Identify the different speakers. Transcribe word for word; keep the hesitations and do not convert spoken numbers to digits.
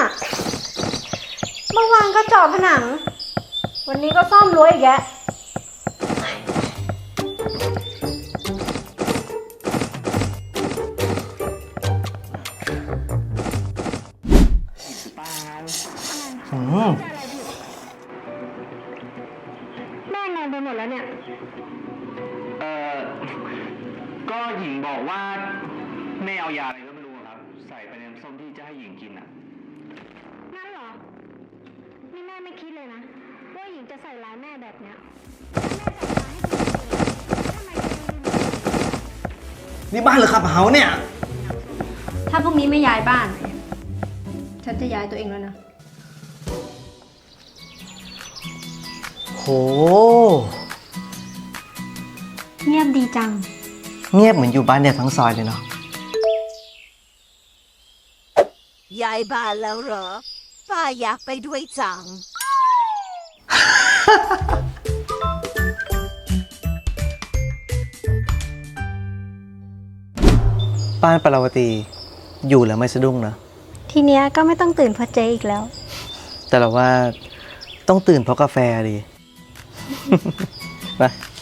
Speaker 1: เมื่อวานก็เจาะผนังวันนี้ก็ซ่อมรั้วอีกแยะ
Speaker 2: อืม
Speaker 1: แม่งงไปหมดแล้วเนี่ย
Speaker 2: เออก็หญิงบอกว่าแม่เอายาอะไรก็ไม่รู้ครับใส่ไปในน้ำส้มที่จะให้หญิงกินอ่ะ
Speaker 1: งั้นเหรอ นี่แม่ไม่คิดเลยนะว่าหญิงจะใส่ร้ายแม่แบบเนี้ยถ้าแม่ใส่ร้ายให้คุณจริงๆทำไมคุณ
Speaker 2: นี่บ้านหรือขับเฮาเนี่ย
Speaker 1: ถ้าพรุ่งนี้ไม่ย้ายบ้าน ฉันจะย้ายตัวเองแล้วนะ
Speaker 2: โห
Speaker 1: เงียบดีจัง
Speaker 2: เงียบเหมือนอยู่บ้านเดียวทั้งซอยเลยเนาะ
Speaker 3: ย้ายบ้านแล้วเหรอป้าอยากไปด้วยจัง
Speaker 2: บ้านปราวตีอยู่แล้วไม่สะดุ้งนะ
Speaker 1: ทีเนี้ยก็ไม่ต้องตื่นเพราะเจ๊อีกแล้ว
Speaker 2: แต่เราว่าต้องตื่นเพราะกาแฟดี ไป